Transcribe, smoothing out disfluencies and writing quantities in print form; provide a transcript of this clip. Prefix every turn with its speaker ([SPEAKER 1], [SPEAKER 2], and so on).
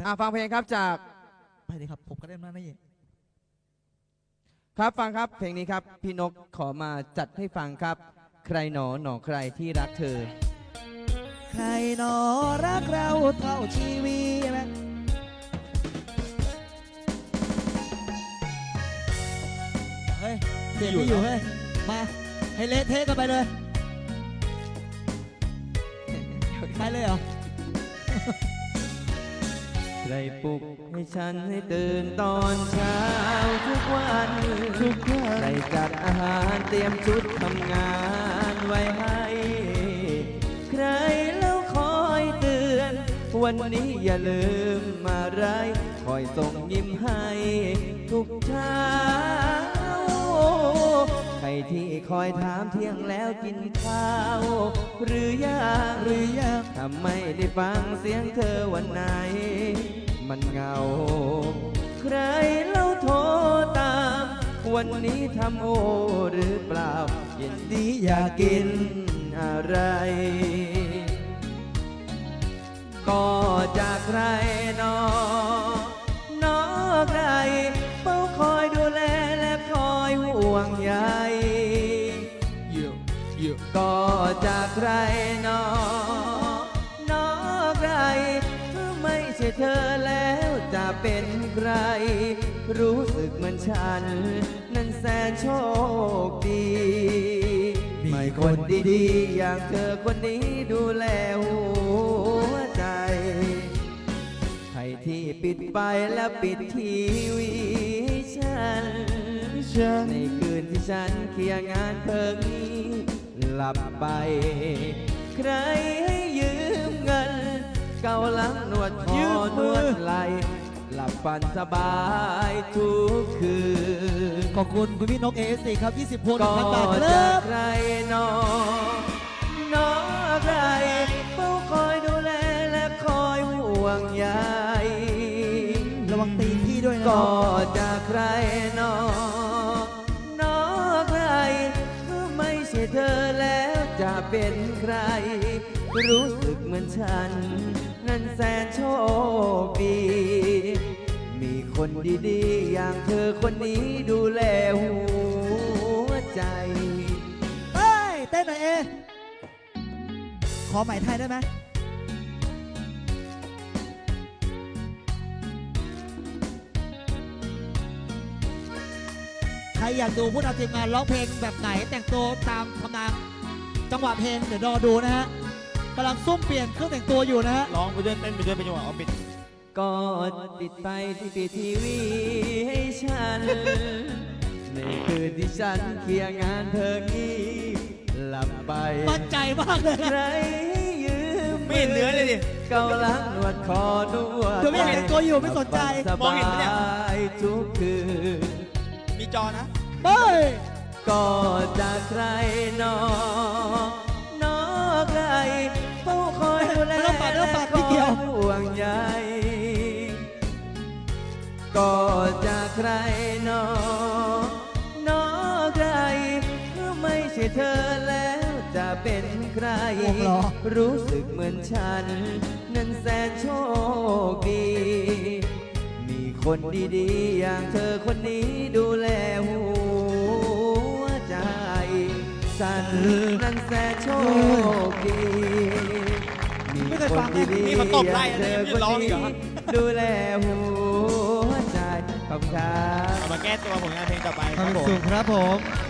[SPEAKER 1] ฟังเพลงครับจาก
[SPEAKER 2] ไปเลยครับผมก็ได้มานี่
[SPEAKER 1] ครับฟังครับเพลงนี้ครับพี่นกขอมาจัดให้ฟังครับใครหนอหนอใครที่รักเธอ
[SPEAKER 2] ใครหนอรักเราเท่าชีวิตไหมเฮ้ยเสียงไม่อยู่เฮ้ยมาให้เละเทะกันไปเลยไปเลยเหรอ
[SPEAKER 1] ใครปลุกให้ฉันให้ตื่นตอนเช้าทุกวันใครจัดอาหารเตรียมชุดทำงานไว้ให้ใครแล้วคอยเตือนวันนี้อย่าลืมอะไรคอยส่งยิ้มให้ทุกเช้าใครที่คอยถามเที่ยงแล้วกินข้าวหรือยังถ้าไม่ได้ฟังเสียงเธอวันไหนมันเหงาใครเล่าโทรตามวันนี้ทำโอหรือเปล่าเย็นนี้อยากกินอะไรก็จากใครนอนอใครเฝ้าคอยดูแลและคอยห่วงใยก็จากใครนอนอใครถ้าไม่ใช่เธอแล้วจะเป็นใครรู้สึกเหมือนฉันนั้นแสนโชคดีไม่คนดีๆอย่างเธอคนนี้ดูแลหัวใจใครที่ปิดไฟและปิดทีวีฉันในคืนที่ฉันเคลียร์งานเพิ่งหลับไปใครให้ยืมเงินเกาหลังนวดคอนวดไหลหลับฝันสบายทุกคืน
[SPEAKER 2] ขอบคุณคุณพี่นกASCครับ20 พวง 1,000 บาท
[SPEAKER 1] ก็จะใครนอใครเฝ้าคอยดูแลและคอยห่วงใย
[SPEAKER 2] ระวังตีนพี่ด้วยนะ
[SPEAKER 1] ก็จะใครนอใครถ้าไม่ใช่เธอแล้วจะเป็นใครรู้สึกเหมือนฉันนั้นแสนโชคดีมีคนดีๆอย่างเธอคนนี้ดูแลหัวใจ
[SPEAKER 2] เฮ้ยเต้นหน่อยขอใหม่ไทยได้ไหมใครอยากดูผู้นำทีมงานร้องเพลงแบบไหนแต่งตัวตามทำนองจังหวะเพลงเดี๋ยวรอดูนะฮะกำลังซุ่มเปลี่ยนเครื่องแต่งตัวอยู่นะฮะ
[SPEAKER 3] ร้องไปด้วยเต้นไปด้วยเป็นจังหวะออฟฟิศ
[SPEAKER 1] ก็ติดไปที่ปีทีวีให้ฉันในคืนที่ฉันเคลียร์งานเธองี้หลับไป
[SPEAKER 2] มั่นใจมากเลย
[SPEAKER 1] ใครยืม
[SPEAKER 3] ไม่เห็นเนื้อเลยดิ
[SPEAKER 1] เกาหลังนวดคอนวด
[SPEAKER 2] เดี๋ยวไม่เห็นตัวอยู่ไม่สนใจ
[SPEAKER 1] มองเห็นไหมเนี่ยทุกคืน
[SPEAKER 3] มีจอนะ
[SPEAKER 2] เฮ้ย
[SPEAKER 1] ก็จากใครนอใครเฝ้าคอยดูแลและคอยห่วงใยก็จากใครนอใครถ้าไม่ใช่เธอแล้วจะเป็นใครรู้สึกเหมือนฉันนั้นแสนโชคดีมีคนดีๆอย่างเธอคนนี้ดูแลหัวใจฉันนั้นแสนโชคดีมีคนดีๆอย่างเธอคนนี้ดูแลหัวใจขอบคุณครับ
[SPEAKER 3] มาแก้ตัวผลงานเพลงต่อไป
[SPEAKER 2] ครับผม